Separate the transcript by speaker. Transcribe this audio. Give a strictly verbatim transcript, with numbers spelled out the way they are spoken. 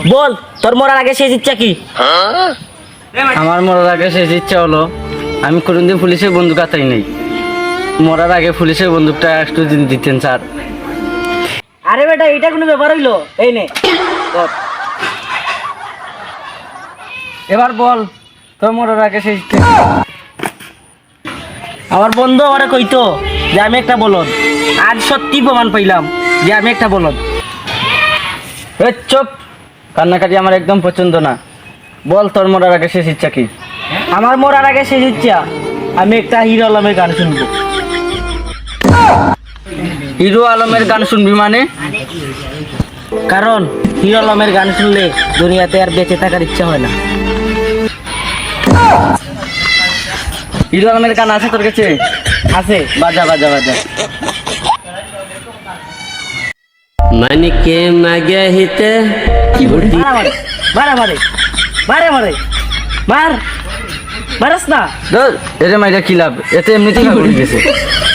Speaker 1: বল তোর মরার আগে শেষ ইচ্ছা কি?
Speaker 2: আমার মরার আগে শেষ ইচ্ছা হলো আমি কোনোদিন পুলিশের বন্দুক হাতাই নাই। মরার আগে পুলিশের বন্দুকটা একটু দিন দিতেন স্যার।
Speaker 1: আরে বেটা এটা কোনো ব্যাপার হইলো? এই নে ধর।
Speaker 2: এবার বল তোর মরার আগে শেষ ইচ্ছা কি?
Speaker 1: আমার বন্ধু আমারে কইতো যে আমি একটা বলদ, আজ সত্যি প্রমাণ পাইলাম যে আমি একটা বলদ।
Speaker 2: এই চুপ, কান্নাকাটি আমার একদম পছন্দ না। বল তোর মরার আগে শেষ ইচ্ছা কি?
Speaker 1: আমার মরার আগে শেষ ইচ্ছা আমি একটা হিরো আলমের গান শুনবো।
Speaker 2: হিরো আলমের গান শুনবি মানে?
Speaker 1: কারণ হিরো আলমের গান শুনলে দুনিয়াতে আর বেঁচে থাকার ইচ্ছা হয় না।
Speaker 2: হিরো আলমের গান আছে তোর কাছে?
Speaker 1: আছে।
Speaker 2: বাজা বাজা বাজা।
Speaker 3: मन के मगहिते
Speaker 1: মারে মারে মারে মারে মারে মার মারাস না।
Speaker 2: ধর এরে মাইরা কি লাভ, এতে এমনিতেই ঘুরে গেছে।